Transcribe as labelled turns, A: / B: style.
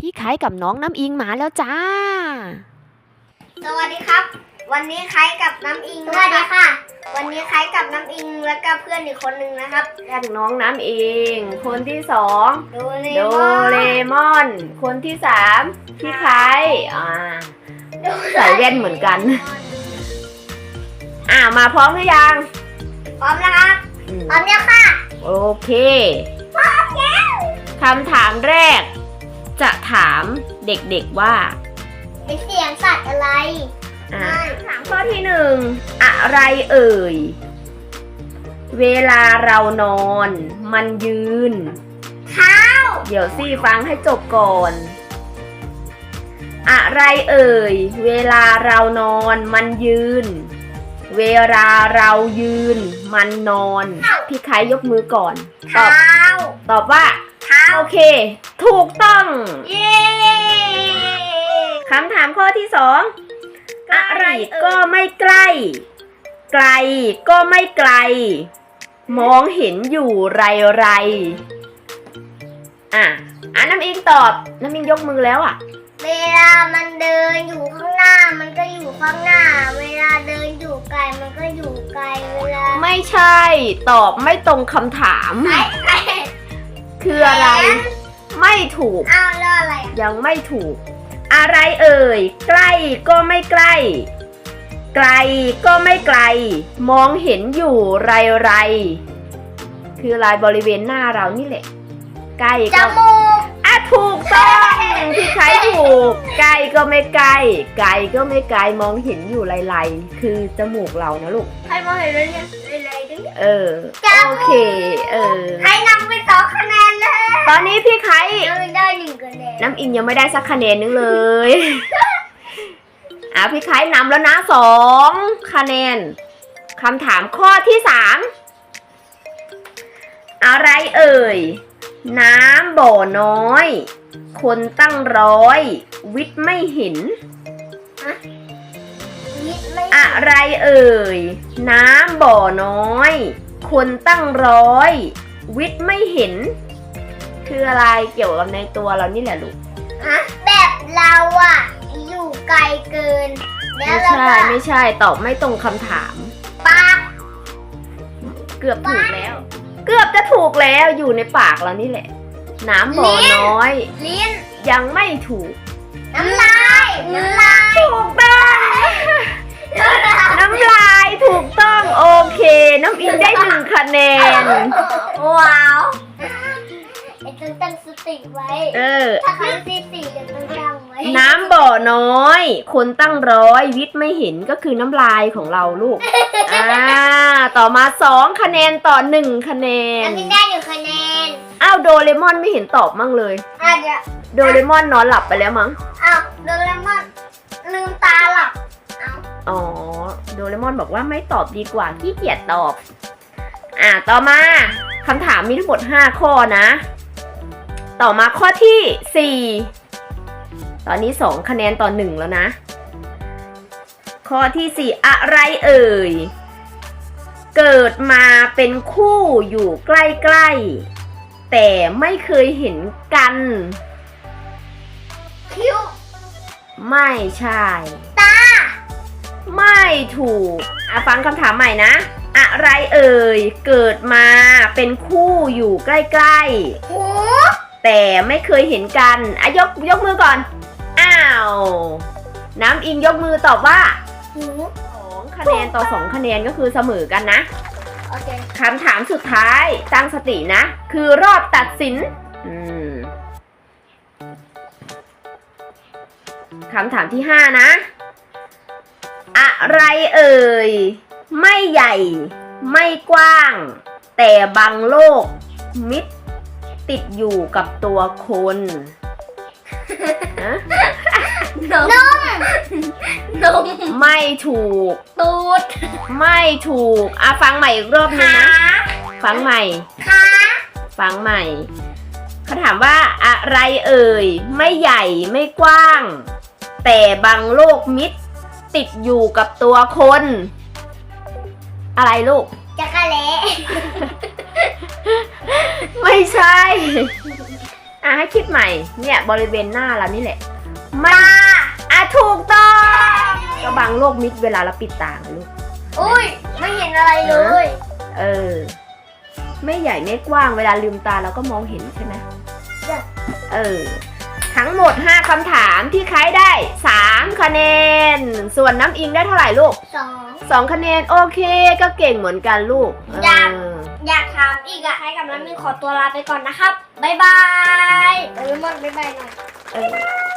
A: พี่ไข่กับน้องน้ำอิงมาแล้วจ้า
B: สวัสดีครับวันนี้ไข่กับน้ำอิงสวัสดีค่ะวันนี้ไข่กับน้ำอิงแล้วก็เพื่อนอีกคนหนึ่งนะครับ
A: เรียกน้องน้ำอิงคนที่สอง
B: โด
A: เรมอนคนที่สามพี่ไข่ใส่แว่นเหมือนกันมาพร้อมหรือยัง
B: พร้อมแล้วครับพร้อมแล้วค่ะ
A: โอเคพร้อมแล้วคำถามแรกจะถามเด็กๆว่า
B: เป็นเสียงสัตว์อะไร
A: ถามข้อที่หนึ่งอะไรเอ่ยเวลาเรานอนมันยืน
B: เท้า
A: เดี๋ยวสิฟังให้จบก่อนอะไรเอ่ยเวลาเรานอนมันยืนเวลาเรายืนมันนอนพี่ไข่ยกมือก่อนตอบว่าโอเคถูกต้อง
B: เย้
A: คำถามข้อที่สองอะไรก็ไม่ใกล้ไกลก็ไม่ไกลมองเห็นอยู่ไรน้ำอิงตอบน้ำอิงยกมือแล้ว
B: เวลามันเดินอยู่ข้างหน้ามันก็อยู่ข้างหน้าเวลาเดินอยู่ไกลมันก็อยู่ไกลเวลา
A: ไม่ใช่ตอบไม่ตรงคำถามคืออะไรไม่ถูก
B: แล้วอะไร
A: ยังไม่ถูกอะไรเอ่ยใกล้ก็ไม่ใกล้ไกลก็ไม่ไกลมองเห็นอยู่ไรคือลายบริเวณหน้าเรานี่แหละใกล้
B: จมูก
A: ถูกต้องพี่ไข่ถูกใกล้ก็ไม่ใกล้ไกลก็ไม่ไกลมองเห็นอยู่ไรคือจมูกเรานะลูก
B: ใครมองเห็นเลยเนี่ยไรด้วย
A: โอเค
B: ใครนำไป2 คะแนนเลย
A: ตอนนี้พี่ไข่
B: ได้1 คะแนน
A: น้ำอิงยังไม่ได้สักคะแนนนึงเลยพี่ไข่นำแล้วนะ2 คะแนนคำถามข้อที่3อะไรเอ่ยน้ำบ่อน้อยคนตั้ง100วิทย์ไม่เห็นอะไรเอ่ยน้ำบ่อน้อยคนตั้ง100วิทย์ไม่เห็นคืออะไรเกี่ยวกับในตัวเรานี่แหละลูก
B: แบบเราอยู่ไกลเกิน
A: ไม่ใช่ตอบไม่ตรงคำถาม
B: ปาก
A: เกือบถูกแล้วเกือบจะถูกแล้วอยู่ในปากเรานี่แหละน้ำบ่อน้อย
B: ลิ้น
A: ยังไม่ถูก
B: น้ำลาย
A: ถูกต้องน้ำลายถูกต้องโอเคน้ำอิงได้1 คะแนน
B: ว้าวต้องตั้งสติไว้ถ้าครั้งที่4จะต้องจำไว้
A: น้ำบ่อน้อยคนตั้ง100วิทย์ไม่เห็นก็คือน้ำลายของเราลูกต่อมา2 คะแนนต่อ1 คะแนน
B: น้ำอิงได้1 คะแนน
A: โดเรมอนไม่เห็นตอบมั่งเลยโดเรมอนนอนหลับไปแล้วมั้ง
B: โดเรมอนลืมตาหลับ
A: โดเรมอนบอกว่าไม่ตอบดีกว่าขี้เกียจตอบต่อมาคำถามมีทั้งหมด5 ข้อนะต่อมาข้อที่4ตอนนี้2 คะแนนต่อ1แล้วนะข้อที่4อะไรเอ่ยเกิดมาเป็นคู่อยู่ใกล้ๆแต่ไม่เคยเห็นกัน
B: คิ้ว
A: ไม่ใช่
B: ตา
A: ไม่ถูกฟังคำถามใหม่นะอะไรเอ่ยเกิดมาเป็นคู่อยู่ใกล้ๆ
B: หู
A: แต่ไม่เคยเห็นกันยกมือก่อนน้ำอิงยกมือตอบว่า
B: หู
A: 2 คะแนนต่อ2 คะแนนก็คือเสมอกันนะ
B: โอเค
A: คำถามสุดท้ายตั้งสตินะคือรอบตัดสินคำถามที่5นะอะไรเอ่ยไม่ใหญ่ไม่กว้างแต่บังโลกมิดติดอยู่กับตัวคน
B: นม
A: ไม่ถูก
B: ตูด
A: ไม่ถูกฟังใหม่อีกรอบนึงนะฟังใหม่ฟังใหม่เขาถามว่าอะไรเอ่ยไม่ใหญ่ไม่กว้างแต่บังโลกมิดติดอยู่กับตัวคนอะไรลูก
B: จักรแล้
A: ไม่ใช่ให้คิดใหม่ เนี่ยบริเวณหน้าเรานี่แหละมันถูกต้องก็บังโลกมิดเวลาเราปิดตาไงลูก
B: อุ้ยไม่เห็นอะไรเลย
A: ไม่ใหญ่ไม่กว้างเวลาลืมตาเราก็มองเห็นใช่ไหม
B: จ้ะ
A: ทั้งหมด5คำถามที่ใครได้3คะแนนส่วนน้ำอิงได้เท่าไหร่ลูก 2คะแนนโอเคก็เก่งเหมือนกันลูก
B: อยากถามอีกอะให้กับน้ำมิงขอตัวลาไปก่อนนะครับบ๊ายบายโดเรมอนบ๊ายบายหน่อย